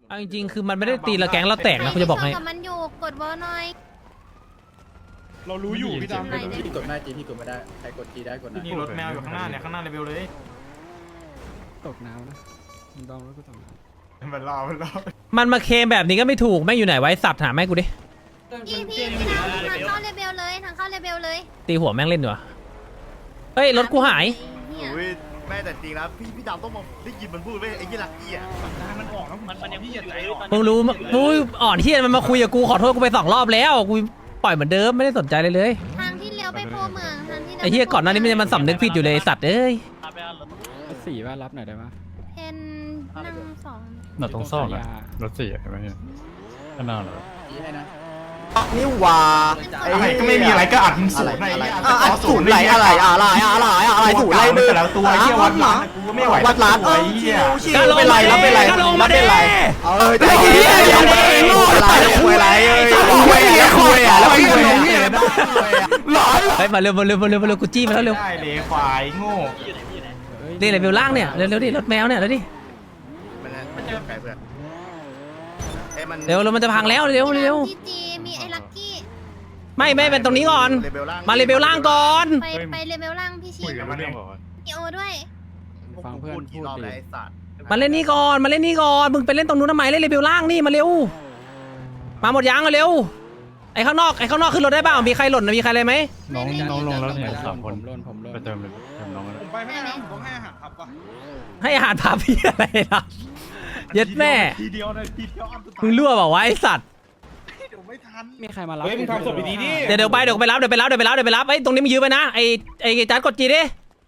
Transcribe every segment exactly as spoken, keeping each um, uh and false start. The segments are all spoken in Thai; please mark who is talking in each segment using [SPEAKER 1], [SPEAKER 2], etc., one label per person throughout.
[SPEAKER 1] เอาจริงๆคือมันไม่ได้ตีละแก๊งเราแตกนะคุณจะบอกให้
[SPEAKER 2] กับมันอยู่กดวอลหน่อย
[SPEAKER 3] เรารู้อยู่พี่ดำ
[SPEAKER 4] พี่กดไม่ได้จีพี่กดไม่ได้ใครกดจีได้กดนะ
[SPEAKER 3] นี่รถแมวอยู่ข้างหน้าเนี่ยข้างหน้าเลเวลเลย
[SPEAKER 5] ตกน้ำนะมึงต้องรถกูตกน้ำ
[SPEAKER 3] มันรอมันรอ
[SPEAKER 1] มันมาเคลมแบบนี้ก็ไม่ถูกแม่งอยู่ไหนไว้สับถามแม่กูดิ
[SPEAKER 2] พี่พี่พี่ดำทางเข้าเลเบลเลยทางเข้าเลเบลเลย
[SPEAKER 1] ตีหัวแม่งเล่นดีกว่าเฮ้ยรถกูหาย
[SPEAKER 2] เนี่ย
[SPEAKER 6] โอ้ยแม่แต่จริงนะพี่พี่ดำต้องมาได้ยินมันพูดเว้ยไอ้ยี่ลักกี้อ่ะ
[SPEAKER 3] มันออกแล้วมันมันยังพี่อย่าใจอ่อน
[SPEAKER 1] มึงรู้มั้ยกูอ่อนที่มันมาคุยกับกูขอโทษกูไปสองรอบแล้วกูปล่อยเหมือนเดิมไม่ได้สนใจเลยเลย
[SPEAKER 2] ทางที่เลี้ยวไปโพเมืองทางที่
[SPEAKER 1] ไอ้เหี้ยก่อนหน้านี้มันมันสำนึกผิดอยู่เลยไอ้สัตว์เอ้ย
[SPEAKER 5] รถสี่ว่ารับหน่อยได้ไหม
[SPEAKER 2] เพนนั่งสอง
[SPEAKER 7] หน้าตรงซอกอะรถสี่เห็นไหมเนี่ยข้างหน้าเหรอ
[SPEAKER 4] จีให้นะ
[SPEAKER 8] นี่หว่า
[SPEAKER 3] อะไรก็ไม่มีอะไรก็อัดมึงศูนย์อะไร
[SPEAKER 8] อ่ะอ่ะศูนย์ไหลอะไรอะไรอะไรอะไรศูนย์ไหลมือ
[SPEAKER 3] แต่ละตัวไอ้เหี้ยวัดหลังกูก็ไม่ไหว
[SPEAKER 8] วัดล้านเอ
[SPEAKER 3] ไอ้
[SPEAKER 8] อ
[SPEAKER 3] เหี้ย
[SPEAKER 8] ชิวเป็นไรรับเป็นไรรับเป็นไรเออแต่ที่นี่ยังไม่รู้อะไรคุยอะไรเอ้ยคุยอะไรคุยอ่ะแล้วคุยอะไรหลอน
[SPEAKER 1] เฮ้ยมาเร็วมาเร็วมาเร็วมาเร็วกูจี้มาแล้วเร็ว
[SPEAKER 3] ได้เลยควายโง่
[SPEAKER 1] นี่เลยเบลล่างเนี่ยเร็วเร็วดิรถแมวเนี่ยเร็วดิ
[SPEAKER 6] มันมันจะไกลเพื่อนไอ้มัน
[SPEAKER 1] เร็วเร็วมันจะพังแล้วเร็วเร็ว
[SPEAKER 2] ที่จีมีไอ้ลักกี้
[SPEAKER 1] ไม่ไม่เป็นตรงนี้ก่อน
[SPEAKER 6] เลเวลล่าง
[SPEAKER 1] มาเลเบลล่างก่อน
[SPEAKER 2] ไปไปเลเบลล่างพี่ชิ
[SPEAKER 7] คุยกันเรื่องบอกว่า
[SPEAKER 2] มีโอด้วย
[SPEAKER 5] ฟังเพื่อน
[SPEAKER 6] พูด
[SPEAKER 5] พู
[SPEAKER 6] กี่
[SPEAKER 5] ด
[SPEAKER 6] รอบ
[SPEAKER 5] ดิ
[SPEAKER 6] แล้วไอ้สัตว์
[SPEAKER 1] มาเล่นนี่ก่อนมาเล่นนี่ก่อนมึงไปเล่นตรงนู้นทำไมเล่นเลเบลล่างนี่มาเร็วมาหมดยังเร็วไอ้ข้างนอกไอ้ข้างนอกขึ้นรถได้เปล่ามีใครหล่นมีใครอะไรไหม
[SPEAKER 7] น้องน้องลงแล้วเนี่ยสามคน
[SPEAKER 5] ผมล่นผมล่น
[SPEAKER 7] ไปเติมเลยเติมน้องกัน
[SPEAKER 3] ผมไปไม่ได้ผมต้องให้อาหารครับว่ะ
[SPEAKER 1] ให้อาหารพาพี่อะไรล่ะเย็ดแม่
[SPEAKER 3] ทีเดียวเลยทีเดียวอันสุดท้าย
[SPEAKER 1] มึงรั่วเปล่าวะไอ้สัตว์
[SPEAKER 3] เดี๋ยวไม่ทัน
[SPEAKER 5] มีใครมารับ
[SPEAKER 3] เฮ้ยมึงทำศพดีๆดิ
[SPEAKER 1] เดี๋ยวเดี๋ยวไปเดี๋ยวไปรับเดี๋ยวไปรับเดี๋ยวไปรับเดี๋ยวไปรับไอ้ตรงนี้มึงยื้อไปนะไอ้ไอ้จัดกดจีดิ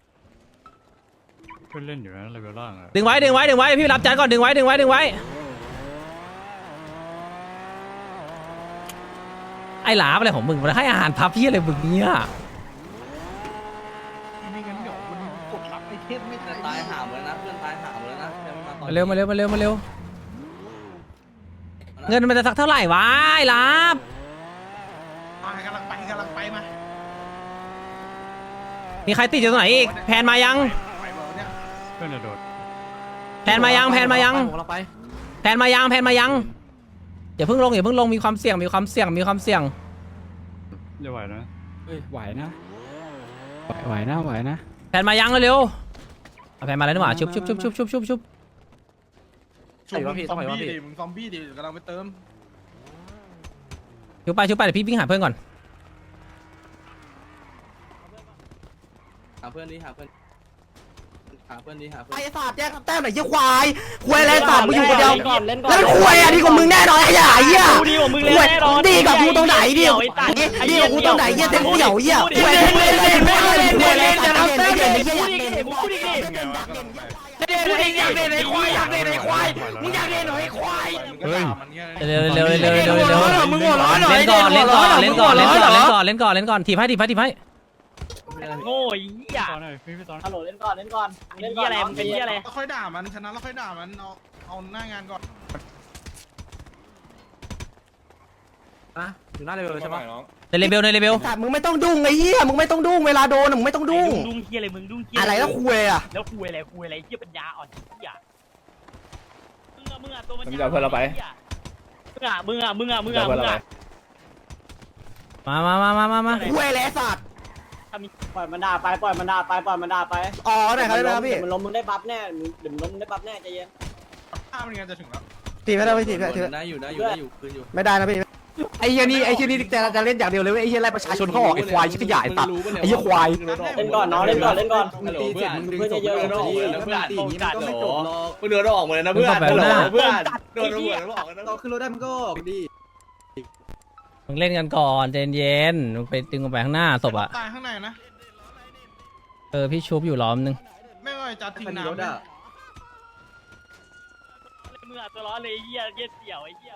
[SPEAKER 7] เพื่อนเล่นอยู่นะเลเวลล่างอะ
[SPEAKER 1] ดึงไว้ดึงไว้ดึงไว้พี่รับจัดก่อนดึงไว้ดึงไว้ดึงไว้ไอ้หลาอะไรของมึงมาให้อาหารพับพี่อะไรมึงเนี่ย
[SPEAKER 3] ไม่งั้นเดี๋ยวมันกดรับไอเทมไม่ได้
[SPEAKER 9] ตายหาหมดแล้วนะเพื่อนตายหาหมดแล้วนะยังไตอน
[SPEAKER 1] มาเร็วมาเร็วมาเร็วมาเร็วเงินมันจะสักเท่าไหร่วะไอ้หลาบ
[SPEAKER 3] มากำลังไปกำลังไปมา
[SPEAKER 1] มีใครติดอยู่ตรงไหนอีกแพนมายัง
[SPEAKER 3] ไปหมดเนี่ย
[SPEAKER 7] เพื่อนจะโดด
[SPEAKER 1] แพนมายังแพนมายัง
[SPEAKER 9] ผมเราไป
[SPEAKER 1] แพนมายังแพนมายังอย่าเพิ่งลงอย่าเพิ่งลงมีความเสี่ยงมีความเสี่ยงมีความเสี่ยง
[SPEAKER 7] จะไหวนะ
[SPEAKER 5] เฮ้ยไหวนะไหวไหวนะไหวนะ
[SPEAKER 1] แพนมายังเร็วๆเอาแพนมาแล้วนี่หว่าชุบชุบชุบชุบชุบชุบชุบ
[SPEAKER 3] ซอมบี้ดิมึงซอมบี้ดิกำลังไปเติม
[SPEAKER 1] ชุบไปชุบไปเดี๋ยวพี่วิ่งหาเพื่อนก่อน
[SPEAKER 9] หาเพื่อนดิหาเพื่อนหาเพื่อนดิหาเพื่อน
[SPEAKER 8] ไอ้สัตว์แจ้งแต้มไหนยี่ควายควายอะไรสัตว์มึงอยู่คนเดียว
[SPEAKER 9] ก่อนเล่นก่อน
[SPEAKER 8] แล้วควายอ่ะดีกว่ามึงแน่นอนไอ้เหี้ยไอ้เหี้ย
[SPEAKER 9] ดีกว่ามึงเล่นแน่นอน
[SPEAKER 8] ดีกับกูตรงไหนดีดีกับกูตรงไหนเหี้ยเต็มเดี่ยวเหี้ยควายเล่นเล่นเล่นเล่นเล่นเล่นเล่นจะทำแต้มเลยเหี้ย
[SPEAKER 9] พูดอีกดิพูดอีกดิ
[SPEAKER 8] เด็กอยากเล่นไอ้ควายอยากเล่นไอ้ควายมึงอยากเล่นหน่อยไอ้ควาย
[SPEAKER 3] เฮ้ยมันเงี้ย
[SPEAKER 1] เร็วเร็วเร็วเร็วเร็ว
[SPEAKER 8] มึงหัวร้อนหน่อย
[SPEAKER 1] เล่นก่อนเล่นก่อนเล่นก่อนเล่นก่อนเล่นก่อนเล่นก่อนเล่นก่อนถีบให้ถีบให้ถีบให้
[SPEAKER 9] โง่ยเหี้ย
[SPEAKER 7] ตอนไหนพี่พี่ตอน
[SPEAKER 9] ฮัลโหลเล่นก่อนเล่นก่อนเล่นเหี้ยอะไรมึงเป็นเหี้ยอะไร
[SPEAKER 3] แล้วค่อยด่ามันชนะแล้วค่อยด่ามันเอาเอาหน้างานก่อน
[SPEAKER 9] นะอยู่หน้าเลเวลใช่ปะ
[SPEAKER 1] ในเลเบลในเลเบล
[SPEAKER 8] แต่มึงไม่ต้องดุ้งไอ้เหี้ยมึงไม่ต้องดุ้งเวลาโดนมึงไม่ต้องดุ้ง
[SPEAKER 9] ดุ้งเหี้ยอะไรมึงดุ้งเหี้ย
[SPEAKER 8] อะไรแล้วคุยอ่ะ
[SPEAKER 9] แล้วคุยอะไรคุยอะไรเหี้ยปัญญาอ่อนเหี้ยมึงอะมึงอะตัวมัน
[SPEAKER 6] มึงจะเอาเพื่อนเราไป
[SPEAKER 9] มึงอะมึงอะมึงอะมึงอะมึงอะ
[SPEAKER 1] มามามามามามา
[SPEAKER 8] คุยแล้วสัตว์
[SPEAKER 9] ปล่อยมันด่าไปปล่อยมันด่าไปปล่อยมันด่าไป
[SPEAKER 8] อ๋อไหนครับได้ไหมครับพี่
[SPEAKER 9] มันล้มมึงได้บัฟแน่มึงเดี๋ยวมึงล้มมึงได้บัฟแน่ใจเย็น
[SPEAKER 3] ถ้ามันงานจะถึงแล้ว
[SPEAKER 8] ตีไม่ได้ไม่ตีไม่ได้
[SPEAKER 9] ได้อยู่ได้อยู่ได้อยู่คืนอยู่
[SPEAKER 8] ไม่ได้นะพี่ไอ้เหี้ยนี่ไอ้เหี้ยนี่จะจะเล่นอย่างเดียวเลยเว้ยไอ้เหี้ยไล่ประชาชนเขาออกไอ้ควายชิบหายตัดไอ้เหี้ยควาย
[SPEAKER 9] เล่นก่อนน้องเล่นก่อนเล่นก่อน
[SPEAKER 6] มึงตีเสร็จมึงดึง
[SPEAKER 9] เพื่อน
[SPEAKER 6] ศพ
[SPEAKER 9] เยอะ
[SPEAKER 6] เพื่อน
[SPEAKER 9] ๆ
[SPEAKER 6] ออกเลย
[SPEAKER 9] นะ
[SPEAKER 6] นะ
[SPEAKER 9] เพื่
[SPEAKER 6] เพื่
[SPEAKER 9] อ
[SPEAKER 6] อน นตีอย่างนี้มันก็ไม่จบหรอก
[SPEAKER 9] มึงเดินออกมาเลยนะเพื่อน
[SPEAKER 6] เพื่อน
[SPEAKER 9] เพื่อน
[SPEAKER 6] โดนระเบิดแล้วบอกกันนะ
[SPEAKER 4] เราขึ้นรถได้มันก็ออกดิ
[SPEAKER 1] มึงเล่นกันก่อนใจเย็นมึงไปดึงออกไปข้างหน้าศพอ่ะ
[SPEAKER 3] ตายข้างในนะ
[SPEAKER 1] เออพี่ชุบอยู่ล้อมนึง
[SPEAKER 3] ไม่ว่าจะทิ้ง
[SPEAKER 4] มันรถ
[SPEAKER 3] น้ำ
[SPEAKER 4] อ่ะ
[SPEAKER 9] มึงอะตัวร้อนเลยเหี้ยเหี้ยเสี่ยวไอ้เหี้ย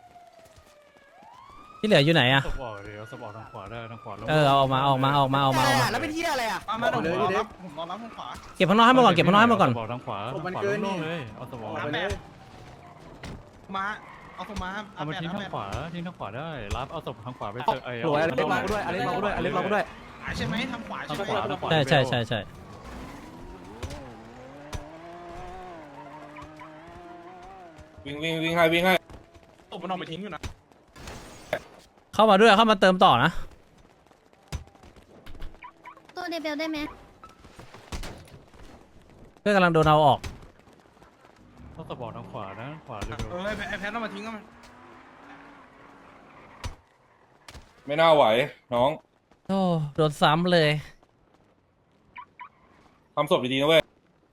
[SPEAKER 1] ที่เหลืออยู่ไหนอ่ะ
[SPEAKER 7] สปอร์ตเดี๋ยวสปอร์ตทางขวาได้ทางขวาลง
[SPEAKER 1] เออเอาออกมาเอาออกมาเอาออกมาเอาออกมาเอาออกมา
[SPEAKER 8] แล้วเป็นเหี้ยอะไรอ่ะ
[SPEAKER 3] มามาผมรอรับผมรอรับทางขวา
[SPEAKER 1] เก็บข้างนอกให้หมดก่อนเก็บข้างนอกให้หมดก่อน
[SPEAKER 7] สปอร์ตทางขวาทางขวาลงเลยเอาสปอร์ต
[SPEAKER 3] เอาไปเลย มาเอาผมมา
[SPEAKER 7] เอามาทิ้งทางขวาทิ้งทางขวาได้รับเอาศพทางขวาไปเจอไอ้
[SPEAKER 8] โหยอะไรมากูด้วยอะไรมากูด้วยอะไรมากูด้วย
[SPEAKER 3] ใช่ไหมทางขวา
[SPEAKER 7] ทา
[SPEAKER 3] ใช่
[SPEAKER 7] ง
[SPEAKER 3] ไหม
[SPEAKER 7] ขวาทางขวา
[SPEAKER 1] ใช่ใช่ใช่ใช่
[SPEAKER 9] ย
[SPEAKER 3] วิ่งวิ่งวิ่งให้วิ่งให้ตบมันออกไปทิ้งอยู่นะ
[SPEAKER 1] เข้ามาด้วยเข้ามาเติมต่อนะ
[SPEAKER 2] ตัวเดเบลได้ไหม
[SPEAKER 1] เพื่อนกำลังโดนเอาออก
[SPEAKER 7] ต้องตะบอกทางขวานะขวาเร็ว
[SPEAKER 3] เออไอ้แพทต้องมาทิ้งก็มัน
[SPEAKER 10] ไม่น่าไหวน้อง
[SPEAKER 1] โอ้โดนซ้ำเลย
[SPEAKER 10] ทำศพดีๆนะเว้ย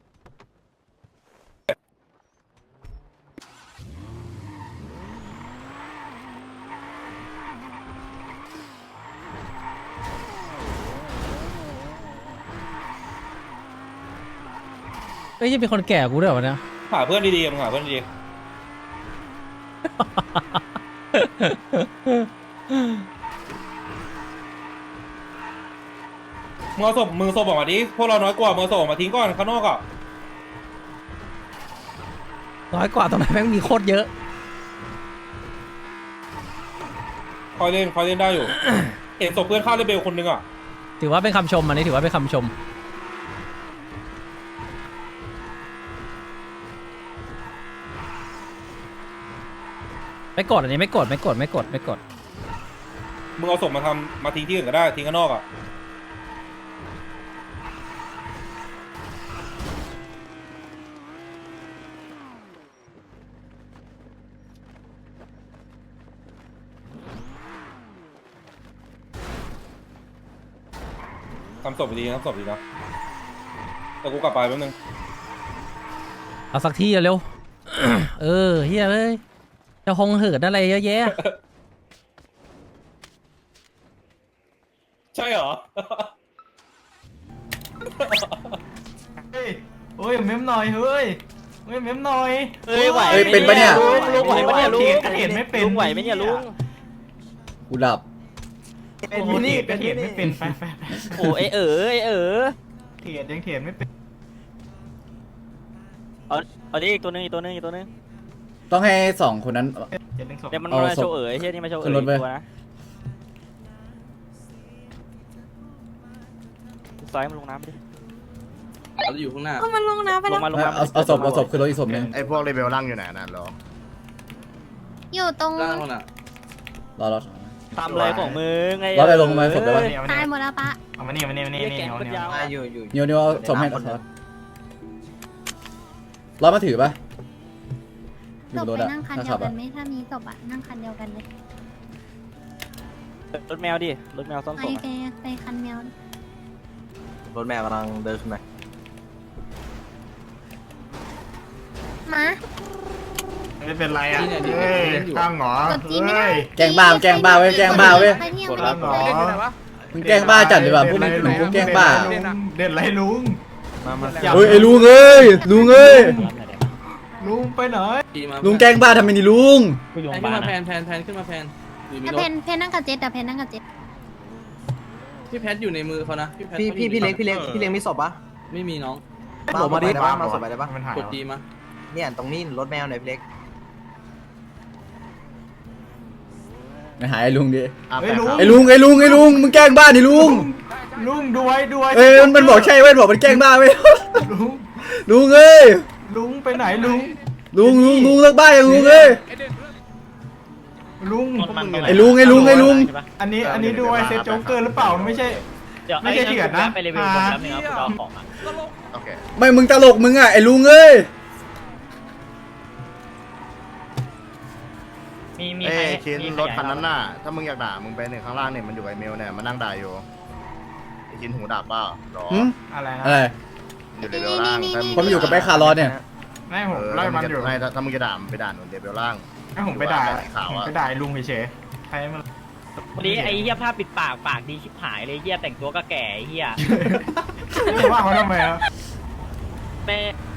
[SPEAKER 1] เอ้ยยังเป็นคนแก่กูด้วยวะเนี่ย
[SPEAKER 10] หาเพื่อนดีๆมึงหาเพื่อนดีๆมึงเอาศพมึงศพออกมาดิพวกเราน้อยกว่ามึงเอาศพออกมาทิ้งก่อนข้างนอกอ่ะ
[SPEAKER 1] น้อยกว่าตรงไหนแม่งมีโคตรเยอะ
[SPEAKER 10] คอยเล่นคอยเล่นได้อยู่ เห็นศพเพื่อนฆ่าเรเบลคนนึงอ่ะ
[SPEAKER 1] ถือว่าเป็นคำชมอันนี้ถือว่าเป็นคำชม ไม่กดอันนี้ไม่กดไม่กดไม่กดไม่กด
[SPEAKER 10] มึงเอาศพมาทำมาทิ้งที่อื่นก็ได้ทิ้งข้างนอกอ่ะทำศพดีทำศพดีนะแต่กูกลับไปแป๊บนึง
[SPEAKER 1] เอาสักที่เร็ว เออเฮียเลยจะคงเหินอะไรเยอะแยะ
[SPEAKER 10] ใช่เหรอ
[SPEAKER 9] เฮ้ยโอ้ยเม้มหน่อยเฮ้ยเฮ้ยเม้มหน่อย
[SPEAKER 8] เฮ้ยไหวเป็นปะเนี่ย
[SPEAKER 9] ลุงไหวปะเนี่ยลุงเห็นไม่เป็นลุงไหวไหมเนี่ยลุง
[SPEAKER 4] กูหลับ
[SPEAKER 9] โอ้โหนี่เถียนไม่เป็นไปไปไปโอ้ไอเอ๋อไอเอ๋อเถียนยังเถียนไม่เป็นเอาเอาดิอีกตัวนึงอีกตัวนึงอีกตัวนึง
[SPEAKER 4] ต้องให้สองคนนั้น
[SPEAKER 9] เดี๋ยวมันมาโชว์เอ๋ยเฮียนี่มาโชว์เอ๋ยตัวนะซอยมันลงน้ำไปดิ
[SPEAKER 4] เราจะอยู่ข้างหน้า
[SPEAKER 2] ก็มันลงน้ำไป
[SPEAKER 9] ล
[SPEAKER 2] แล้ว
[SPEAKER 9] งมาลงมา
[SPEAKER 4] เอาเอาศพเอาศพคือรถอีกศพหนึง
[SPEAKER 6] ไอ้พวกเลเวลล่างอยู่ไหนนั่นหรอ
[SPEAKER 2] อยู่ตรง
[SPEAKER 4] ล่างคนอ่ะรอรอ
[SPEAKER 9] ทำอะไรของมึงไง
[SPEAKER 4] รอไปลงมาศพได้ปะ
[SPEAKER 2] ตายหมดแล้วปะ
[SPEAKER 9] เอามานี่มานี่มานี่นี่เอาเนี่ย
[SPEAKER 8] อยู่อยู่
[SPEAKER 4] เนียวเนียวเอาศพให้รอมาถือปะอ
[SPEAKER 2] ศ
[SPEAKER 4] ยู่
[SPEAKER 2] พ
[SPEAKER 4] บนรถ
[SPEAKER 2] ไป
[SPEAKER 4] อะ
[SPEAKER 2] นั่งคัน
[SPEAKER 4] ถ้า
[SPEAKER 2] เดีย
[SPEAKER 4] ขั
[SPEAKER 2] ว
[SPEAKER 4] บ
[SPEAKER 2] กั
[SPEAKER 4] อะ
[SPEAKER 2] นไหมถ้ามีศพอะนั่งคันเดียวกันเลย
[SPEAKER 9] รถแมวดิรถแมวซ่อน
[SPEAKER 2] ไป
[SPEAKER 9] ศพ
[SPEAKER 2] ไปไปคันแมว
[SPEAKER 8] รถแมวกำลังเดินขึ้นมา
[SPEAKER 2] มา
[SPEAKER 9] ไม่เป็นไรอ่ะเฮ้ยตั้งหรอก
[SPEAKER 2] ดจีไม่ได้
[SPEAKER 4] แกล้งบ้าแกล้งบ้าเว้ยแกล้งบ้าเว้ย
[SPEAKER 2] ไปที่ยัง
[SPEAKER 9] กด
[SPEAKER 2] ไม่
[SPEAKER 9] รับ
[SPEAKER 2] ได้
[SPEAKER 9] หรอ
[SPEAKER 4] มึงแกล้งบ้าจัดเลยว่ะพวกมึงเหมือนพวกแกล้งบ้า
[SPEAKER 9] เด่นไรลุง
[SPEAKER 8] มามา
[SPEAKER 4] เฮ้ยไอ้ลุงเอ้ยลุงเอ้ย
[SPEAKER 9] ลุงไปไหน
[SPEAKER 4] ลุงแกล้งบ้าทำไมนี่ลุง
[SPEAKER 9] กูอยู่บ้าน
[SPEAKER 4] แพนแพนแพนขึ้นมาแพน
[SPEAKER 2] แต่เพนเพนนั่งกับเจ็ดแต่เพนนั่งกับเจ็ด
[SPEAKER 4] พี่แพทอยู่ในมือเขานะพี่แพท
[SPEAKER 8] พี่พี่พี่เล็กพี่เล็กพี่เล็กมีศพปะ
[SPEAKER 4] ไม่มีน้อง
[SPEAKER 8] มาศพมาดิมาศพไปได้ปะ
[SPEAKER 9] มันหาย
[SPEAKER 4] กดจีมา
[SPEAKER 8] เนี่ยตรงนี้รถแมวหน่อยพี่เล็ก
[SPEAKER 4] ไม่หายไอ้ลุงดิ
[SPEAKER 9] เฮ้ยลุง
[SPEAKER 4] ไอ้ลุงไอ้ลุงไอ้ลุงมึงแกล้งบ้าดิลุง
[SPEAKER 9] ลุงดูไว้ดูไว้
[SPEAKER 4] เอ้ยมันมันบอกใช่เว้ยบอกมันแกล้งบ้าเว้ย
[SPEAKER 9] ลุง
[SPEAKER 4] ลุงเอ้ย
[SPEAKER 9] ลุงไปไหนลุง
[SPEAKER 4] ลุงลุงลุงเลิกบ้าอย่างลุงเอ้ย
[SPEAKER 9] ลุง
[SPEAKER 4] ไอ้ลุงไอ้ลุงไอ้ลุง
[SPEAKER 9] อันนี้อันนี้ดูไว้เซตโจ๊กเกอร์หรือเปล่าไม่ใช่ไม่ใช่เถื่อนนะไปรีวิวผมแล้วนึงครับคุณเอาของอ่ะ
[SPEAKER 6] โอเค
[SPEAKER 4] ไม่มึงตลกมึงอ่ะไอ้ลุงเอ้ย
[SPEAKER 9] มีมี
[SPEAKER 6] เอ้
[SPEAKER 9] ใคร
[SPEAKER 6] ยชิ้นรถคันนั้นน่ะถ้ามึงอยากด่ามึงไปหนึ่งข้างล่างเนี่ยมันอยู่ไอเมลเนี่ยมันนั่งด่าอยู่ไอ้ชิ้นหูดับเปล่าหรอ
[SPEAKER 4] หึ
[SPEAKER 9] อะไรนะ
[SPEAKER 4] อะไร
[SPEAKER 6] อยู่เลเวลล่างถ้า
[SPEAKER 4] ผมอยู่กับไอ้คาร์ลอสเนี่ย
[SPEAKER 9] ไม่ผม
[SPEAKER 6] เออ
[SPEAKER 9] ไล่มันอยู่
[SPEAKER 6] ไม่ถ้าถ้ามึงจะด่ามึงไปด่าหนุนเลเวลล่าง
[SPEAKER 9] ให้ผมไปด่า
[SPEAKER 6] ข่าว
[SPEAKER 9] ผม
[SPEAKER 6] อะ
[SPEAKER 9] ไปด่าลุงเฉยๆใครมัน
[SPEAKER 11] วันนี้ไอ้เหี้ยผ้าปิดปากปากดีชิบหายเลยเหี้ยแต่งตัวก็แก่ไอ้เหี้ย
[SPEAKER 9] จะว่าเขาทำไมอ่ะ
[SPEAKER 11] แม่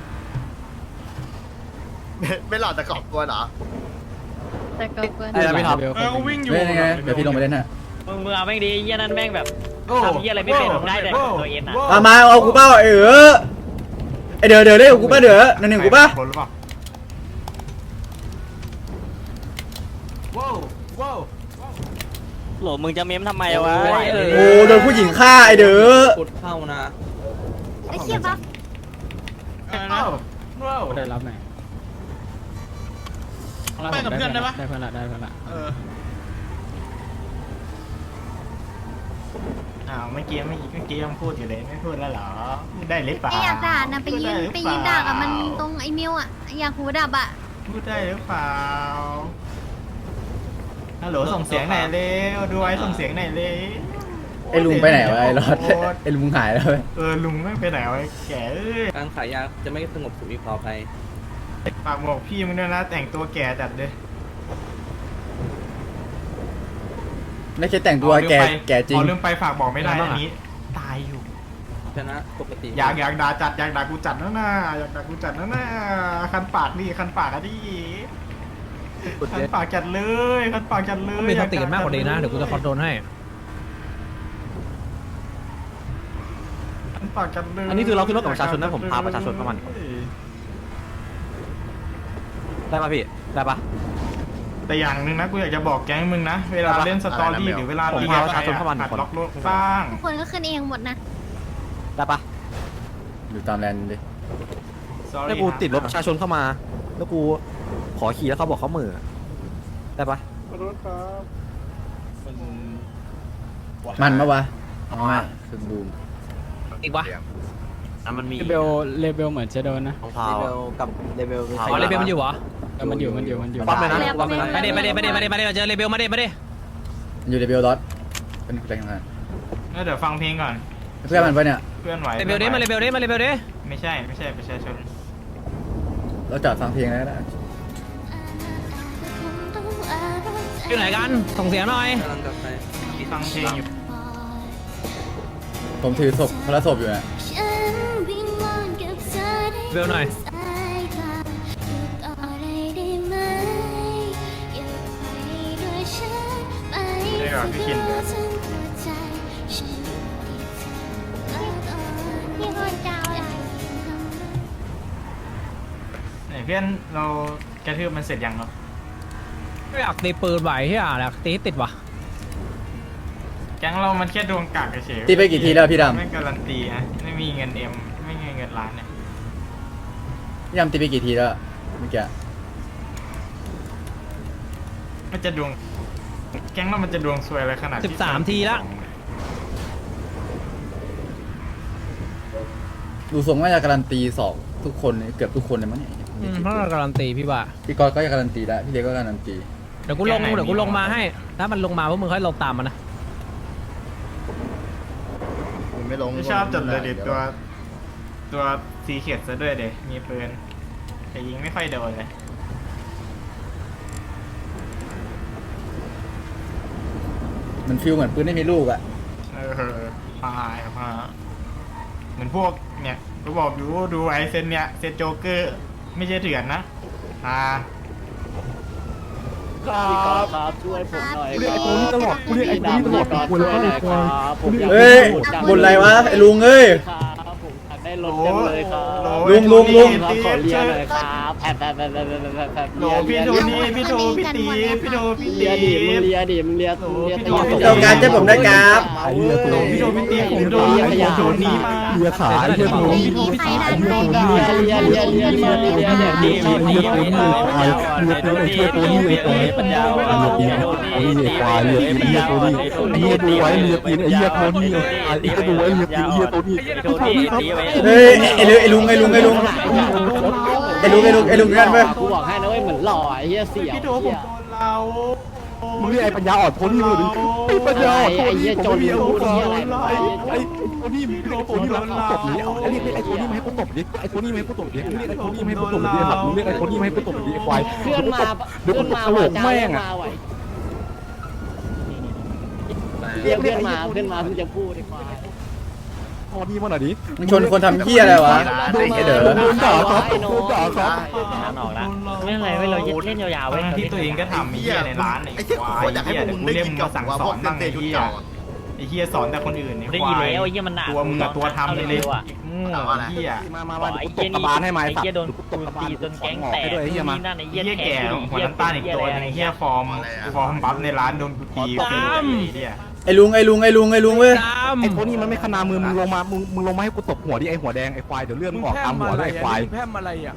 [SPEAKER 6] ไม่ไม่หลอดตะกอบกลัวเหรอ
[SPEAKER 2] แต่ก็เกิน
[SPEAKER 8] เดี๋ยวพี่ท็อป
[SPEAKER 3] เออกูวิ่งอยู่
[SPEAKER 4] เว้ยยังไงเดี๋ยวพี่ลงไปเล่นฮะ
[SPEAKER 11] มึงมึงเอาแม่งดีไอ้เหี้ยนั่นแม่งแบบทำเหี้ยอะไรไม่เป็นได้แต่ตัวเองอ่ะ
[SPEAKER 4] มามาเอากูเป้าไอ้เออไอ้เดี๋ยวเดี๋ยวเล่นกูป้าเดี๋ยวนั่นหนึ่งกูป้า
[SPEAKER 9] คนหรือเปล่าว้าวว้าว
[SPEAKER 11] โหลมึงจะเม้มทำไมวะ
[SPEAKER 4] โอ้โดนผู้หญิงฆ่าไอ้เด้อ
[SPEAKER 2] ไอ้เชี่ยบัฟ
[SPEAKER 9] ว้าวว้าว
[SPEAKER 5] ได้รับไหน
[SPEAKER 3] ไปกับเพื่อนได้ปะ
[SPEAKER 5] ได้เพื่อนละได้เพื่อนละ
[SPEAKER 3] เออ
[SPEAKER 9] อ้าวเมื่อกี้เมื่อกี้เมื่อกี้ยังพูดอยู่เลยไม่พูดแล้วเหรอพูดได้หรือเปล่า
[SPEAKER 2] ไออยากด่านะไปยืนไปยืนด่ากับมันตรงไอมิวอ่ะอยากหูดับอ่ะ
[SPEAKER 9] พูดได้หรือเปล่าฮัลโหลส่งเสียงหน่อยเร็วดูไว้ส่งเสียงหน่อยเร็ว
[SPEAKER 4] ไอ้ลุงไปไหนวะไอ้รอดไอ้ลุงหายแล้วเว้ย
[SPEAKER 9] เออลุงไม่ไปไหนวะแกเอ้ย
[SPEAKER 11] การขายยาจะไม่สงบสุขอีกต่อไป
[SPEAKER 9] ฝากบอกพี่มึงด้วยนะแต่งตัวแก่จัดเลย
[SPEAKER 4] ไม่ใช่แต่งตัวแกแกจริง
[SPEAKER 9] อ๋อลืมไปฝากบอกไม่ได้อันนี้ตายอยู่
[SPEAKER 11] ชนะปกติ
[SPEAKER 9] อยากอยากด่าจัดอยากด่ากูจัดนะน่าอยากด่ากูจัดนะน่าคันปากนี่คันปากอะดิคันปากจัดเลยคันปากจัดเลย
[SPEAKER 1] มีสติกันมากกว่านี้นะเดี๋ยวกูจะคอนโทรลให้
[SPEAKER 9] คันปากจัดเลย
[SPEAKER 8] อันนี้คือเราขึ้นรถกับประชาชนนะผมพาประชาชนเข้ามาได้ป่ะพี่ได้ป่ะ
[SPEAKER 9] แต่อย่างหนึ่งนะกูอยากจะบอกแก๊งมึงนะเวลาเล่นสตอรี่หรือเวลาตีกับใครอะหัดล็อกรถบ้าง
[SPEAKER 2] ทุกคนก็ขึ้นเองหมดนะ
[SPEAKER 8] ได้ป่ะ
[SPEAKER 4] อยู่ตามแลนด์ดิ
[SPEAKER 8] แล้วกูติดรถประชาชนเข้ามาแล้วกูขอขี่แล้วเขาบอกเขาเหม่อได้ป่ะ
[SPEAKER 4] มันปะวะอ๋อคือบูม
[SPEAKER 1] อีกวะ
[SPEAKER 8] อ่ะมันมี
[SPEAKER 5] เลเบลเลเบลเหมือนจะโดนนะ
[SPEAKER 8] ของพาวกับเลเวล
[SPEAKER 1] อ๋อเลเบลมันอยู่เหรอ
[SPEAKER 5] เออมันอยู่มันอยู่มันอยู่
[SPEAKER 8] ปั๊มเลยนะ
[SPEAKER 2] แล้ว
[SPEAKER 8] ปั๊มเลยนะ
[SPEAKER 1] ไปดิไปดิไปดิไปดิไปดิเราเจอเลเบลมาดิมาดิ
[SPEAKER 4] อยู่ในเบลดอทเป็นแรงงาน
[SPEAKER 9] แล้วเดี๋ยวฟังเพลงก่อน
[SPEAKER 4] เพื่อนมันปะเนี่ย
[SPEAKER 9] เพื่อนไหว
[SPEAKER 1] เลเบลดิมาเลเบลดิมาเลเบลดิ
[SPEAKER 9] ไม่ใช่ไม่ใช่ประชาชน
[SPEAKER 4] เราจอดฟังเพลงแล้วก็ได้
[SPEAKER 1] อยู่ไหนกันส่งเสียงหน่อย
[SPEAKER 11] กำลังกลับไป
[SPEAKER 9] ฟังเพลงอยู่
[SPEAKER 4] ผมถือศพพระศพอยู่นะ
[SPEAKER 1] เบลหน่อย
[SPEAKER 9] ได้ก่อนพี่คินเลย
[SPEAKER 2] พี่คนเจ้าอะไร
[SPEAKER 9] ไหนเพื่อนเรากระทืบมันเสร็จยังเนาะ
[SPEAKER 1] ไม่อยากตีปืนไหวที่อ่ะอยากตีให้ติดวะ
[SPEAKER 9] แก๊งเรามันแค่ดวงกากเฉยๆ
[SPEAKER 4] ตีไปกี่ทีแล้วพี่ด
[SPEAKER 9] ไม่การันตีนะไม่มีเงินเอ็มไม่มีเงินล้านเนี่ย
[SPEAKER 4] ำพี่ดำตีไปกี่ทีแล้วเมื่อกี้
[SPEAKER 9] มันจะดวงแก๊งเรามันจะดวงซวยอะไรขนาด
[SPEAKER 1] สิบสามทีละ
[SPEAKER 4] ดูทรงว่าจะการันตีสองทุกคนเกือบทุกคนเลยมั้งเนี่ย
[SPEAKER 1] อืมเพราะเราการันตีพี่ว่า
[SPEAKER 4] พี่กอตก็จะการันตีแล้วพี่เล็กก็การันตี
[SPEAKER 1] เดี๋ยวกูลงเดี๋ยวกูลงมาให้ ถ้ามันลงมาพวกมึงค่อยลงตามมันนะ
[SPEAKER 6] มึงไม่ลง
[SPEAKER 9] ไม่ชอบจัดเลยดิตัว ตัวสีเขียดซะด้วยเด็มีปืนแต่ยิงไม่ค่อยโดนเลย
[SPEAKER 4] มันฟิลเหมือนปืนไม่มีลูกอะ
[SPEAKER 9] เออพายพาเหมือนพวกเนี่ยกูบอกอยู่ดูไอเซนเนี่ยเซนโจ๊กเกอร์ไม่ใช่เถื่อนนะอ่า
[SPEAKER 11] ครับครับช่วยผมหน่อย
[SPEAKER 2] เรียกไอ้
[SPEAKER 11] กูนี่ตลอดกูเรียกไอ้กูนี่ตลอดกูเลยครับผมอยาก
[SPEAKER 4] เฮ้ยบนอะไรวะไอ้ลุงเอ้ย
[SPEAKER 11] ครับผมอยากได้รถจังเลยครับ
[SPEAKER 4] ลุงลุงลุง
[SPEAKER 11] ขอเรียนหน่อยครับแผลแผลแผลแผลแผลแผลแผล
[SPEAKER 9] โหลพี่โทนี่พี่โทพี่ตีพี่โทพี่
[SPEAKER 11] เรี
[SPEAKER 9] ตี
[SPEAKER 11] ยดิมึงเรียดิมึงเรียมึงเรียตี
[SPEAKER 4] ต้องการจะผมได้ครับ
[SPEAKER 9] โหลพี่โทพี่ตีผมโดนผมโดนนี้มา
[SPEAKER 7] เรือขาเรือ
[SPEAKER 2] ไม่มีใครดันเลย
[SPEAKER 11] เรียเรียเรียเรียเรียเรียเรียดีดีดีดีดีปัญญาอ่อนเรียตัวนี้ไอ้ควายเรียปัญญาอ่อนไอ้ตัวนี้ไอ้เรียตีนไอ้เหี้ยตัวนี้ไอ้ก็ดูไอ้เรียตีนไอ้เหี้ยตัวนี้ตัวนี้ตีไว้
[SPEAKER 4] เฮ้ยไอ้ลุงไอ้ลุงไอ้ลุงไอ้ลุงไอ้ลุงไอ้ลุงไอ้ลุงกันไป
[SPEAKER 11] กูบอกให้นะเว้ยเหมือนหล่อไอ้เหี้ยเสียว
[SPEAKER 9] พี่โทผมโดนเรา
[SPEAKER 7] มึงเรียกไอ้ปัญญาอ่อนโทนี่เลยดิไอ้ปัญญาอ่อนโทนี่ผมไม่มีอาวุธไอ้ไอ้โทนี่มีโทนี่มาตบนี้เอาเรียกไอ้โทนี่มาให้กูตบดิไอ้โทนี่มาให้กูตบดิเรียกไอ้โทนี่มาให้กูตบดิครับมึงเรียกไอ้โทนี่มาให้กูตบดิไอ้ควาย
[SPEAKER 11] เพื่อนมา
[SPEAKER 7] เดี๋ยว
[SPEAKER 11] เพื่
[SPEAKER 7] กู
[SPEAKER 11] อน
[SPEAKER 7] ต
[SPEAKER 11] มา
[SPEAKER 7] ล
[SPEAKER 11] ว่ะ
[SPEAKER 7] ก
[SPEAKER 11] จ้า
[SPEAKER 7] แม่
[SPEAKER 11] เพื่อง น
[SPEAKER 7] อ่ะ
[SPEAKER 11] มาไหวเรียกเพื่อนมาเพื่อนมาเพิ่งจะพูดดีกว่า
[SPEAKER 7] พอนี่มาหน่อยดิ
[SPEAKER 4] มึงชนคนทำเหี้ยอะไรวะไอ้เด้อ
[SPEAKER 7] โดนด่าครับโดนด่าครับ
[SPEAKER 11] ทางออกแล้วไม่เป็นไรเว้ยเราเล่นยาวๆ
[SPEAKER 9] เว้
[SPEAKER 11] เว้
[SPEAKER 9] ย
[SPEAKER 11] ย
[SPEAKER 9] ที่ตัวเองก็ทำไอ้เหี้ยในร้านไอ้ควายไอ้เหี้ยเดี๋ยวกูเรียกมึงมาสั่งสอนบ้างไอ้เหี้ยไอ้เหี้ยสอนแต่คนอื่นไอ้
[SPEAKER 11] ได้
[SPEAKER 9] ค
[SPEAKER 11] ยิน
[SPEAKER 9] วาย
[SPEAKER 11] แล้วไอ้เหี้ยมันหนัก
[SPEAKER 9] ตัวมึงอะตัวทำเลยเลยโง่ไอ้เหี้ย
[SPEAKER 7] มามามาตบกระบาลให้มา
[SPEAKER 11] ไอ้
[SPEAKER 7] สัต
[SPEAKER 11] เหี้ย
[SPEAKER 7] ว์
[SPEAKER 11] โดน
[SPEAKER 7] ต
[SPEAKER 11] กู
[SPEAKER 7] บกระบา
[SPEAKER 11] ตี
[SPEAKER 7] ล
[SPEAKER 11] จนแก๊ง
[SPEAKER 7] ออก
[SPEAKER 11] แตก
[SPEAKER 7] ไปด้วยไอ้เหี้ยมา
[SPEAKER 11] นี่นั่นไอ้
[SPEAKER 9] ไอ้
[SPEAKER 11] เหี้ย
[SPEAKER 9] เหี้ยแก่หัวน้ำตาลอีกตัวนึงไอ้เหี้ยฟอร์มฟอร์มบัฟในร้านโดนกูตีฟรีไอ้เหี้ย
[SPEAKER 4] ไอ้ลุงไอ้ลุงไอ้ลุงไอ้ลุงเว้ย
[SPEAKER 1] ตาม
[SPEAKER 7] ไอ้โทนี่มันไม่ขนามือมึงลงมามึงมึงลงมาให้กูตบหัวดิไอ้หัวแดงไอ้ควายเดี๋ยวเลือดมึงออกตามหัวด้วยไอ้ควาย
[SPEAKER 3] แพมอะไรอ่ะ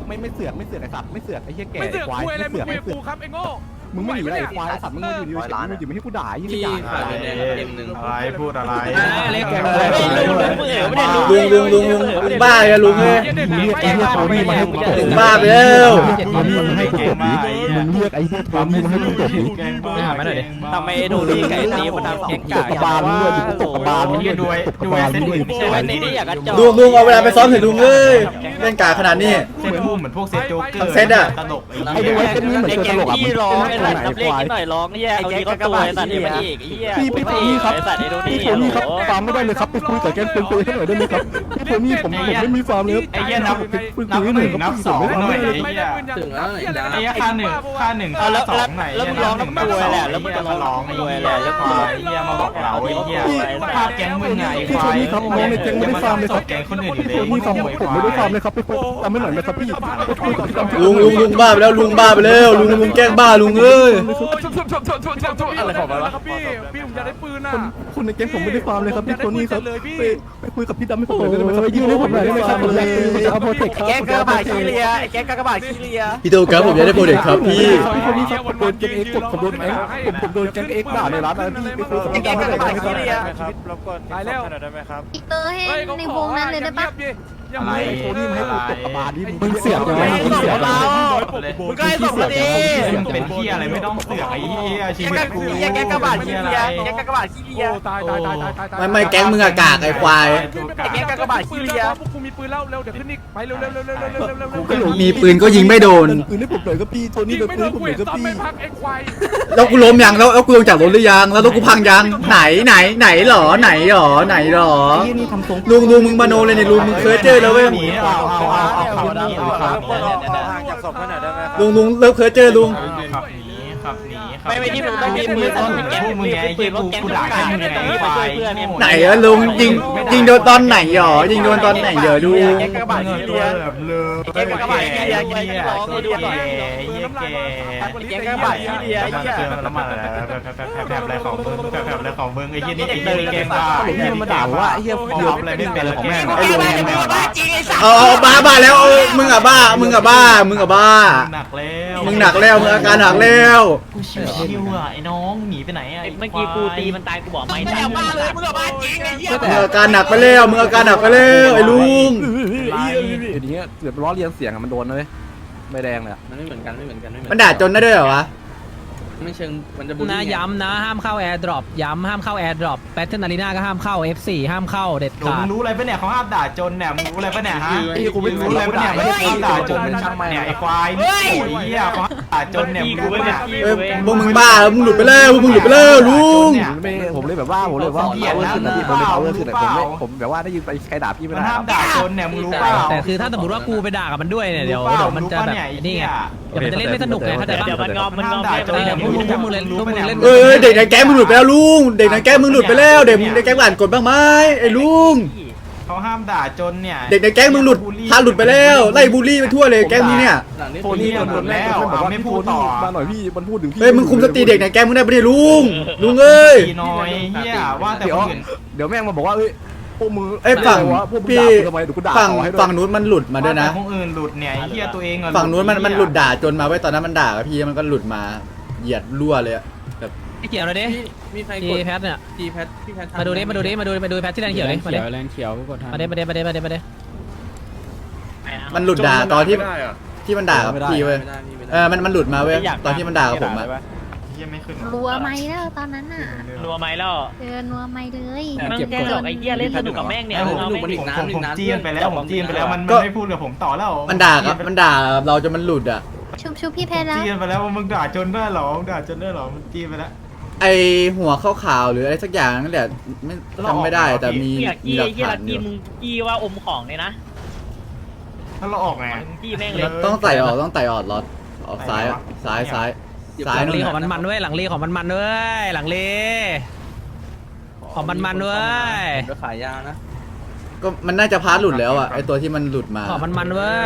[SPEAKER 7] ไม่ไม่เสือกไม่เสือกไอ้สัตว์ไม่เสือกไอ้เหี้ยแก่
[SPEAKER 3] ไม่เสือก
[SPEAKER 7] ควาย
[SPEAKER 3] คุยอะไร
[SPEAKER 7] ไม่
[SPEAKER 3] มึ
[SPEAKER 7] เสื
[SPEAKER 3] ง
[SPEAKER 7] อก
[SPEAKER 3] คุย
[SPEAKER 7] ไม่
[SPEAKER 3] กับ
[SPEAKER 7] เสือก
[SPEAKER 3] กูครับไอ้โง่
[SPEAKER 7] มึงไม่หนีอะไรควายไอ้สัตว์มึงมาอยู่ดีๆมึงอยู่ไม่ให้กูด่ายี่
[SPEAKER 9] พี่
[SPEAKER 7] สิบ
[SPEAKER 9] ขา
[SPEAKER 7] อย่าง
[SPEAKER 9] แดงเอ็มหนึ่งอะไรพูดอะไร
[SPEAKER 1] เล็ก
[SPEAKER 4] ลุงลุงลุงลุงลุงบ้าเลยลุงเอ้ย
[SPEAKER 7] มึงเรียกไอ้เหี้ยโทนี่มาให้กูตบ
[SPEAKER 4] ลุงบ้าไปแล้ว
[SPEAKER 7] โทนี่มาให้กูตบดิมึงเรียกไอ้เหี้ยโทนี่มาให้กูตบดิ
[SPEAKER 1] หามาหน่อยดิ
[SPEAKER 11] ทำไมโดนี่ไก่ตีมันทำเก่ง
[SPEAKER 7] ต
[SPEAKER 11] กา
[SPEAKER 7] บกระบาลมึงด้วยมึงตบกระบาลมึงด้วย
[SPEAKER 9] ดูไอ้
[SPEAKER 7] ตบก
[SPEAKER 9] ดู
[SPEAKER 7] ระ
[SPEAKER 9] ไอ้
[SPEAKER 7] บาล
[SPEAKER 9] เส้
[SPEAKER 7] มึ
[SPEAKER 9] น
[SPEAKER 7] ง
[SPEAKER 9] อื่
[SPEAKER 7] ด้วย
[SPEAKER 9] นไม่ใช่
[SPEAKER 11] วั
[SPEAKER 9] วัน น
[SPEAKER 11] นี้
[SPEAKER 9] นี้
[SPEAKER 11] ที่อยากกระจอก
[SPEAKER 4] ลุงลุงเอาเวลาไปซ้อมเถอะลุงเอ้ยเล่นกาขนาดนี้
[SPEAKER 9] เส้นพุ่มเหมือนพวกเซตโจ๊กเกอร์
[SPEAKER 4] ทั้งเซตอะ
[SPEAKER 9] ตลก
[SPEAKER 7] ไอ้ดูไอ้เส้นนี้เหมือน
[SPEAKER 11] ไอ้
[SPEAKER 7] ตัว
[SPEAKER 11] แก
[SPEAKER 7] ตลกอ่ะ
[SPEAKER 11] พี่ร้องไอ้
[SPEAKER 7] มึ
[SPEAKER 11] สั
[SPEAKER 7] ง
[SPEAKER 11] ตว์
[SPEAKER 7] ไอ้
[SPEAKER 11] นับเลข
[SPEAKER 7] ควาย
[SPEAKER 11] นิดหน่อยร้องเนี่ยเอาทีก็ตัวไอ้สัตว์นี่มันอีกไอ้เหี้ย
[SPEAKER 7] พี่พี่โทนี่ครับ
[SPEAKER 11] ไอ้สัตว์ไอ้โดนี่
[SPEAKER 7] พี่โทนี่ครับฟาร์มไม่ได้เลยครับไปคุยกับแกนเป็นคุยให้หน่อยได้ไหมครับพี่โทนี่ผมผมไม่มีฟาร์มเลยครับ
[SPEAKER 9] ไอ้เหี้ยนับ
[SPEAKER 7] คุย
[SPEAKER 9] นับ
[SPEAKER 7] คุย
[SPEAKER 9] ห
[SPEAKER 7] หน่อ
[SPEAKER 9] นึ่
[SPEAKER 7] ย
[SPEAKER 9] ง
[SPEAKER 7] ครับ
[SPEAKER 9] นับสองหน่อยไอ้เหี้ย
[SPEAKER 3] ถึงแล้วไอ้ดา
[SPEAKER 9] ไอ้เหี้ยค่าหนึ่งค่าหนึ่ง
[SPEAKER 11] เอา
[SPEAKER 9] ค่า
[SPEAKER 11] แล้ว
[SPEAKER 9] สองไหน
[SPEAKER 11] แล้วมึงร้องน้ำตัวแหละแล้วมึงจะร้อง
[SPEAKER 9] ร้องไอ้เหี้ยแล้วควายไอ้เหี้ยมาบอกเราไอ้เหี้ยภาพแก๊งมึงไงไอ้
[SPEAKER 7] พี่
[SPEAKER 9] ค
[SPEAKER 7] โท
[SPEAKER 9] วาย
[SPEAKER 7] นี่ครับน้องในแก๊งไม่ได้ฟาร์มเลยครับ
[SPEAKER 9] แก๊งคนอื่นอยู่เลย
[SPEAKER 7] พี่ฟาร์มผมไม่ได้ฟาร์มเลยครับไปคุยทำให้หน่อยนะครับพี่ไปคุยกับพี่ดำ
[SPEAKER 4] ลุงลุงลุงบ้าไปแล้วลุงบ้าไปแล้วลุงลุงแกล้งบ้าลุงเอ้ย
[SPEAKER 3] อะไรของมันวะครับพี่พี่ผมอยากได้ปืนอ่ะ
[SPEAKER 7] คนในแก๊งผมไม่ได้ฟาร์มเลยครับพี่โทนี่ครับไปไปคุยกับพี่ดำให้ผมหน่อยได้ไหมครับยืนให้ผมหน่อยได้ไหมครับผมจะเอาโปรเทคครับ
[SPEAKER 11] แกงกระบาดขี้เลียไอ้แกงกระบาดขี้เลีย
[SPEAKER 4] พี่โตครับผมอยากได้โปรเด็กครับพี่
[SPEAKER 7] พี่คนนี้ครับผมโดนแก๊งเอ็กซ์ผมโดนแก๊งผมผมโดนแก๊งเอ็กซ์ด่าในร้านนะพี่ไปคุยกับพี่ดำให้หน่อยได้ไหมครับ
[SPEAKER 3] ตายแล้ว
[SPEAKER 2] อีกเตอร์ให้ในวงนั้นเลยได้ปะ
[SPEAKER 9] อะไร
[SPEAKER 7] โทนี่มาให้กูตบกระบาลนี่มึงเสียบยังไงมึงเสียบยังไง
[SPEAKER 11] มึงก็ให้ส่งมาดิ
[SPEAKER 9] เป็นเหี้ยอะไรไม่ต้องเสือกไอ้เหี้ยชีวิตกู
[SPEAKER 11] แกงกระบาดขี้เลียแกงกระบาดขี้เลีย
[SPEAKER 3] ตายตายตายตายตาย
[SPEAKER 4] ไม่ไม่แก๊งมึงอะกากไอ้ควาย
[SPEAKER 11] แกงกระบาดขี้เลีย
[SPEAKER 3] พวกกูมีปืนแล้วเร็วเดี๋ยวขึ้นอีกไปเร็วเร็วเร็วเร็วเร็วเร็วเร็วเร็ว
[SPEAKER 4] มีปืนก็ยิงไม่โดน
[SPEAKER 7] ปืนให้ผมหน่อยก็พี่โทนี่
[SPEAKER 3] ยิง
[SPEAKER 7] เป็น
[SPEAKER 3] ไม่
[SPEAKER 7] ปื
[SPEAKER 3] โด
[SPEAKER 7] นให้
[SPEAKER 3] น
[SPEAKER 7] ผมห
[SPEAKER 3] กู
[SPEAKER 7] น่อยก็พี่
[SPEAKER 3] เห็นซ้อมไม่พักไอ้ควาย
[SPEAKER 4] แล้วกูล้มยังแล้วแล้วกูลงจากรถหรือยังแล้วรถกูพังยังไหนไหนไหนหรอไหนหรอไหนหรอ
[SPEAKER 7] พี่นี่ทำทรง
[SPEAKER 4] ลุงลุงมึงมาโนเลยเนี่ยลุงมึงเคยเจอแล้วเว้ย
[SPEAKER 9] หนีเอาเอาเอาเอาขับหนีเอาขับ
[SPEAKER 11] ห่างจากศพหน่อยได้ไหมครับ
[SPEAKER 4] ลุงลุงเลิกเคยเจอลุง
[SPEAKER 9] ขับหนีขับหนีขับ
[SPEAKER 11] ไม่ไม่ที่มึงต้องมีมือต้นแกงมึงไงปืนรถแกงกระบาดมึงไงไปช่วยเพื่อน
[SPEAKER 4] ไหนอะลุงยิงยิงโดนตอนไหนหรอยิงโดนตอนไหนเดี๋ยวดู
[SPEAKER 11] แกงกระบาดขี้เลีย
[SPEAKER 9] แบบเลย
[SPEAKER 11] แกงกระบาดขี้เลียแกงร้องให้ดูหน่อย
[SPEAKER 9] เหี้ยแก่
[SPEAKER 11] แกงกระบาดขี้เลียไอ้
[SPEAKER 9] มัน
[SPEAKER 11] เหี้ย
[SPEAKER 9] เจอแล้วมันอะไรแผลอะไรของมึงแผลอะไรของมึงไอ้เหี้ยนี่ไอ้เหี้ยแกงบ้า
[SPEAKER 7] ไอ้เหี้ยมาด่าว่าไอ้เหี้ย
[SPEAKER 9] เดียวอะไรไม่เป็นของแม่
[SPEAKER 11] ไอ้บ้าจะเป็นบ้าจริงไอ้สัตว์
[SPEAKER 4] เอาเอาบ้าบ้าแล้วเอามึงอะบ้ามึงอะบ้ามึงอะบ้า
[SPEAKER 9] หนักแล้ว
[SPEAKER 4] มึงหนักแล้วมึงอาการหนักแล้ว
[SPEAKER 9] กูชิวๆอ่ะไอ้น้องหนีไปไหนอ่ะ
[SPEAKER 11] เมื่อกี้กูตีมันตายกูบอกไม่ตายบ้าเลยมึงบ้าจริงไอ้เหี้ย
[SPEAKER 4] มึงอาการหนักไปแล้วมึงอาการหนักไปแล้วไอ้ลุง
[SPEAKER 7] ไอ้เหี้ยอย่างเงี้ยเสือล้อเลียนเสียงอะมันโดนนะเว้ยไม่แดงเลย
[SPEAKER 5] มันไม่เหมือนกันไม่เหมือนกันไม่เหมือน
[SPEAKER 4] มันด่าจนได้ด้วยเหรอวะ
[SPEAKER 5] ไม่เชิงมันจะบูล
[SPEAKER 1] นะ
[SPEAKER 5] ลี่
[SPEAKER 1] ย้ำนะห้ามเข้าแอร์ดรอปย้ำห้ามเข้าแอร์ดรอปแบทเทิลอารีนาก็ห้ามเข้า เอฟ โฟร์ ห้ามเข้าเด็ด
[SPEAKER 9] หนู
[SPEAKER 1] ขา
[SPEAKER 9] มึ
[SPEAKER 1] ด
[SPEAKER 9] งรู้อะไรปะเนี่ยเขาห้ามด่าจนเนี่ยมึงรู้อะไรปะเนี่ยฮะ
[SPEAKER 7] ไอ้กูไม่รู้
[SPEAKER 9] รู้อะไรปะเนี่ย
[SPEAKER 7] ไม่
[SPEAKER 9] ไม่
[SPEAKER 7] ได้
[SPEAKER 9] ได้
[SPEAKER 7] ตี
[SPEAKER 9] ด่าจนมันช่างเนี่ยไอ้ควายโอ้ยเหี้ยเขาด่าจนเนี่ยมึงรู้ปะเนี่ย
[SPEAKER 4] เอ้ยพวกมึงบ้าแล้วมึงหลุดไปแล้วพวกมึงหลุดไปแล้วลุง
[SPEAKER 7] ไม่ผมเลยแบบว่าผมเลยว่าเอาเวอร์ขึ้นนะพี่ผมเลยเอาเวอร์ขึ้นนะผมไม่ผมแบบว่าได้ยินไปใครด่าพี่ไม่
[SPEAKER 9] มัน
[SPEAKER 7] ได้
[SPEAKER 9] ห้ามด่าจนเนี่ยมึงรู้เปล่า
[SPEAKER 1] แต่คือถ้าสมมติว่ากูไปด่ากับมันด้วยเนี่ยเดี๋ยวเดี๋ยวมันจะแบบนี่ไงเดี๋ยวมันจะเล่นไม่สนุกไงเข้าใจปะ
[SPEAKER 11] เดี๋ยวมันงอมมันงอม
[SPEAKER 1] เออพวกมึงพวกมึงเล่นพวกมึงเล่น
[SPEAKER 4] เอ้ยเด็กในแก๊งมึงหลุดไปแล้วลุงเด็กในแก๊งมึงหลุดไปแล้วเด็กในแก๊งอ่านกฎบ้างไหมไอ้ลุง
[SPEAKER 9] เขาห้ามด่าจนเนี่ย
[SPEAKER 4] เด็กในแก๊งมึงหลุดพาหลุดไปแล้วไล่บูลลี่ไปทั่วเลยแก๊งนี้เนี่ย
[SPEAKER 5] หลังนี้
[SPEAKER 7] โทนี่มันโดนแล้วบอกว่าไม่พูดต่อมาหน่อยพี่มันพูดถึงพี่
[SPEAKER 4] เฮ้ยมึงคุมสติเด็กในแก๊งมึงได้ปะเนี่ยลุงลุงเอ้ย
[SPEAKER 9] ตีน้อยเหี้ยว่าแต่
[SPEAKER 7] เดี๋ย
[SPEAKER 9] คว นอื่น
[SPEAKER 7] เดี๋ยวแม่งมาบอกว่าเอ้ยพวกมึง
[SPEAKER 4] เอ้ยฝั่ง
[SPEAKER 7] พวกมึง
[SPEAKER 4] พี่
[SPEAKER 7] ด่ากูทำไมเดี๋ยวกูด่า
[SPEAKER 4] ฝั่ง
[SPEAKER 7] ต่อให้ด้วย
[SPEAKER 4] ฝั่งนู้นมันหลุดมาด้วยนะ
[SPEAKER 9] แต่คนอื่นหลุดเนี่ยไอ้เหี้ยตัวเองอะ
[SPEAKER 4] ฝั่งนู้นมันมันหลุดด่าจนมาไว้ยตอนนั้นมันด่ากับพี่มันก็หลุดมาเหยียดรั่วเลยอะแบบ
[SPEAKER 1] ไอ้เขียวเลยดิ
[SPEAKER 5] มีใคร
[SPEAKER 1] ที
[SPEAKER 5] กด
[SPEAKER 1] แพทเนี่ย
[SPEAKER 5] ทีแพทพี่แพท
[SPEAKER 1] มาดูดิมาดูดิมาดูมาดูแพทที่แดนเขียวดิมาดิ
[SPEAKER 5] แรงเขียวกดทัน
[SPEAKER 1] มาดิมาดิมาดิมาดิมาดิ
[SPEAKER 4] มันหลุดด่าตอนที่ที่มันด่ากับพี่เว้ย
[SPEAKER 5] ไม่ได้นี่ไม่ได้
[SPEAKER 4] เออมันมันหลุดมาเว้ยตอนที่มันด่ากับผมอะ
[SPEAKER 9] เหี้ยไม่ขึ้น
[SPEAKER 2] รัวไหมแล้วตอนนั้นน่ะ
[SPEAKER 11] รัวไหมแล้ว
[SPEAKER 2] เจอรัวไหมเลย
[SPEAKER 11] มึงแกหลอกไอ้เหี้ยเล่นสนุกกับแม่งเนี่ย
[SPEAKER 9] ผม
[SPEAKER 11] เอา
[SPEAKER 9] ผม
[SPEAKER 11] แม่ง
[SPEAKER 9] ผมผมจีนไปแล้วผมจีนไปแล้วมันมันไม่พูดกับผมต่อแล้ว
[SPEAKER 4] มันด่ากับมันด่ากับเราจนมันหลุดอะ
[SPEAKER 2] ชุบชุบพี่แพทแล้ว
[SPEAKER 9] จีนไปแล้วว่ามึงด่าจนได้หรอมึงด่าจนได้หรอมันจีนไปแล้ว
[SPEAKER 4] ไอหัวขาวๆหรืออะไรสักอย่างนั่นแหละไม่จำไม่ได้แต่มี
[SPEAKER 11] เหี้ย
[SPEAKER 4] มี
[SPEAKER 11] กี้
[SPEAKER 4] หลัก
[SPEAKER 11] เหี้ย
[SPEAKER 4] ฐา
[SPEAKER 11] ลั
[SPEAKER 4] น
[SPEAKER 11] ก
[SPEAKER 4] อ
[SPEAKER 11] กี้
[SPEAKER 4] ยู่
[SPEAKER 11] มึงกี้ว่าอมของเลยนะ
[SPEAKER 9] ถ้าเราออกไง
[SPEAKER 11] มึงกี้แม่งเลย
[SPEAKER 4] ต้องใส่ออกต้องใส่ออกรถออกซ้ายอะซ้ายซ้ายซ้าย
[SPEAKER 1] หลัง
[SPEAKER 4] นู่
[SPEAKER 1] ลี
[SPEAKER 4] น
[SPEAKER 1] ของมัน
[SPEAKER 4] อะ
[SPEAKER 1] มันด้วยหลังลีของมันมันด้วยหลังลีของมันมันด้วย
[SPEAKER 5] ก็ขายยานะ
[SPEAKER 4] ก็มันน่าจะพาร์ทหลุดแล้วอะไอตัวที่มันหลุดมา
[SPEAKER 1] ของมันมันด้วย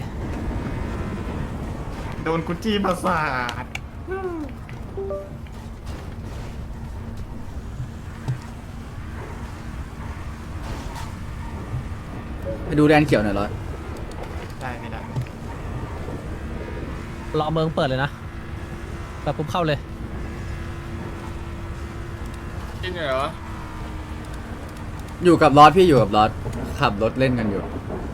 [SPEAKER 9] โดนกุจีประสาท
[SPEAKER 4] ไปดูแดนเขียวหน่อยร้อย
[SPEAKER 9] ได้ไม่ได้
[SPEAKER 1] รอเมืองเปิดเลยนะแบบปุ๊บเข้าเลย
[SPEAKER 6] จริงเหรอ
[SPEAKER 4] อยู่กับลอสพี่อยู่กับลอสขับรถเล่นกันอยู่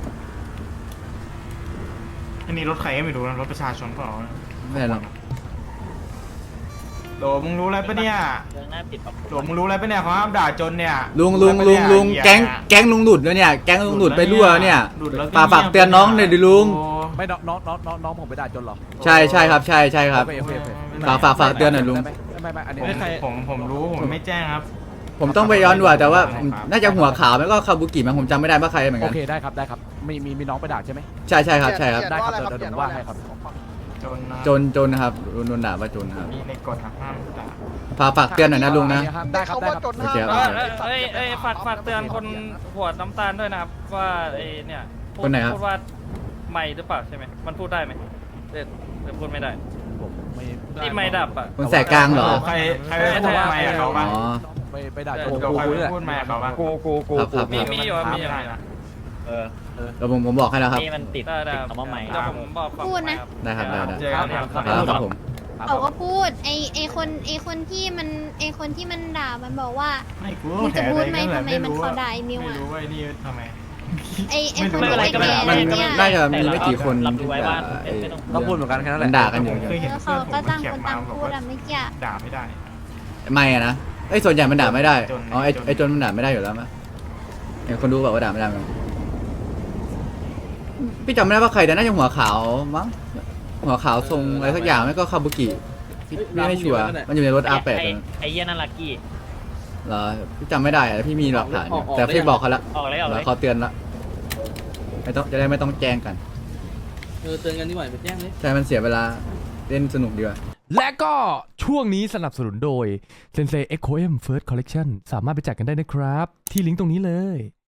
[SPEAKER 9] อันนี้รถใครก็ไม่รู้นะรถประชาชนเปล่า
[SPEAKER 4] ไม่หรอก
[SPEAKER 9] โหลมึงรู้อะไรปะเนี่ยโหลมึงรู้อะไรปะเนี่ยเขาห้ามด่าจนเนี่ย
[SPEAKER 4] ลุงลุงลุงลุงแก๊งแก๊งลุงหลุดแล้วเนี่ยแก๊งลุงหลุดไปรั่วเนี่ยฝากฝากเตือนน้องหน่อยดิลุง
[SPEAKER 7] ไม่น้องน้องน้องน้องน้องผมไปด่าจนหรอ
[SPEAKER 4] ใช่ใช่ครับใช่ใช่ครับ
[SPEAKER 7] โอเคโอเคโอเค
[SPEAKER 4] ฝากฝากฝากเตือนหน่อยลุง
[SPEAKER 7] ไม่ไม่อันนี้
[SPEAKER 9] ผมผมผมรู้ผมไม่แจ้งครับ
[SPEAKER 4] ผมต้องไปย้อนดูอะแต่ว่าผมน่าจะหัวขาวแล้วก็คาบุกิมั้งผมจำไม่ได้ว่าใครเหมือน
[SPEAKER 7] โอ
[SPEAKER 4] กัน
[SPEAKER 7] เคได้ครับได้ครับมีมีมีน้องไปด่าใช่ไหม
[SPEAKER 4] ใช่ใช่ครับใช่ครับ
[SPEAKER 7] ได้ครับเดี๋ยวเดี๋ยวผมว่าให้ครับ
[SPEAKER 9] จนนะ
[SPEAKER 4] จนจนนะครับโดนด่าว่าจนครับ
[SPEAKER 9] มีในกฎห้ามด่า
[SPEAKER 4] ฝากฝากเตือนหน่อยนะลุงนะ
[SPEAKER 7] ได้ครับได้ครับ
[SPEAKER 4] โอเคครับ
[SPEAKER 11] เอ้ยเอ้ยฝากฝากเตือนคนหัวน้ำตาลด้วยนะครับว่าไอ้เนี่ยพูด
[SPEAKER 4] คนไหนครับ
[SPEAKER 11] พูดว่าไม่หรือเปล่าใช่ไหมมันพูดได้ไหมเด็ดหรือพูดไม่ได้
[SPEAKER 7] ผมไม่
[SPEAKER 11] ที่ไม่ดับอ่ะ
[SPEAKER 4] คนแสกกลางเหรอ
[SPEAKER 9] ใครใครไปพูดไม่กับเขา
[SPEAKER 4] อ๋
[SPEAKER 9] บ้าง
[SPEAKER 4] อ
[SPEAKER 7] ไปไปด่าจน
[SPEAKER 9] เดี๋ยวใครไปพูดไม่กับเขาบ้าง
[SPEAKER 11] กูกูกู
[SPEAKER 4] ครับครับ
[SPEAKER 11] มีมีอยู่ครับมีอยู่
[SPEAKER 9] ได้นะ
[SPEAKER 11] เออ
[SPEAKER 4] แล้วผมผมบอกให้แล้วครับ
[SPEAKER 11] นี่มันติดได้ได้คำว่าใหม่เดี๋ยวผมบอกฝั่ง
[SPEAKER 2] พูดนะ
[SPEAKER 4] ได้ครับได้ได้
[SPEAKER 9] เจอกันครับ
[SPEAKER 4] ครับครับผม
[SPEAKER 2] เขาก็พูดไอไอคนไอคนที่มันไอคนที่มันด่ามันบอกว่า
[SPEAKER 9] ไม่กู
[SPEAKER 2] มึงจะพูดไหม
[SPEAKER 9] แถ
[SPEAKER 2] ทำไมมันเขาด่าไอ้มิว
[SPEAKER 9] ไม่
[SPEAKER 2] อะ
[SPEAKER 9] รู้ว่าไอ้นี่ทำไม
[SPEAKER 2] ไอไอคน
[SPEAKER 11] ไม่
[SPEAKER 2] ที่
[SPEAKER 11] เป็นไร
[SPEAKER 2] ไป
[SPEAKER 11] ก็ไม่
[SPEAKER 2] แก่
[SPEAKER 11] เป็นไร
[SPEAKER 2] เนี่ย
[SPEAKER 4] น่าจะมีไม่กี่คน
[SPEAKER 11] รับรู้ไว้ว่า
[SPEAKER 4] ที่
[SPEAKER 11] ไม่ต้อง
[SPEAKER 7] ก็พูดเหมือนกันแค่นั้นแห
[SPEAKER 4] มั
[SPEAKER 7] ละ
[SPEAKER 4] นด่ากันอยู่
[SPEAKER 9] เคยเห็น
[SPEAKER 2] แล้ว
[SPEAKER 9] เพื่
[SPEAKER 2] เขา
[SPEAKER 9] อนผม
[SPEAKER 2] ก็ต่าง
[SPEAKER 9] เขีย
[SPEAKER 2] คน
[SPEAKER 9] มา
[SPEAKER 2] ต่าง
[SPEAKER 9] บอก
[SPEAKER 2] พูด
[SPEAKER 9] ว่า
[SPEAKER 2] อะไม่เกี่ย
[SPEAKER 9] ด่าไม่ได้
[SPEAKER 4] ไม่อะนะไอ้ยส่วนใหญ่มันด่าไม่ได้
[SPEAKER 9] จน
[SPEAKER 4] อ๋อไอ้
[SPEAKER 9] จน
[SPEAKER 4] ไอ้จนมันด่าไม่ได้อยู่แล้วมั้ยเห็นคนดูแบบว่าด่าไม่ได้มั้ยพี่จำไม่ได้ว่าใครแต่น่าจะหัวขาวมั้งหัวขาวทรงอะไรสักอย่างไม่ก็คาบุกิพี่พี่ไม่ชัวร์มันอยู่ในรถ อาร์ แปด
[SPEAKER 11] ไอ้
[SPEAKER 4] ตอนนั้น
[SPEAKER 11] ไอ้เหี้ยนั่นลักกี้
[SPEAKER 4] เหรอพี่จำไม่ได้อะพี่มีหลักฐานอยู่แต่พี่บอกเขาละ
[SPEAKER 11] ออกเลยออกเลย
[SPEAKER 4] แล้วเขาเตือนละไม่ต้องจะได้ไม่ต้องแจ้งกัน
[SPEAKER 3] เออเตือนกันดีกว่าไปแจ้งเลย
[SPEAKER 4] ใช่มันเสียเวลาเล่นสนุกดีกว่า
[SPEAKER 12] และก็ช่วงนี้สนับสนุนโดย Sensei เอ็กโค เอ็ม First Collection สามารถไปจัดกันได้นะครับ ที่ลิงก์ตรงนี้เลย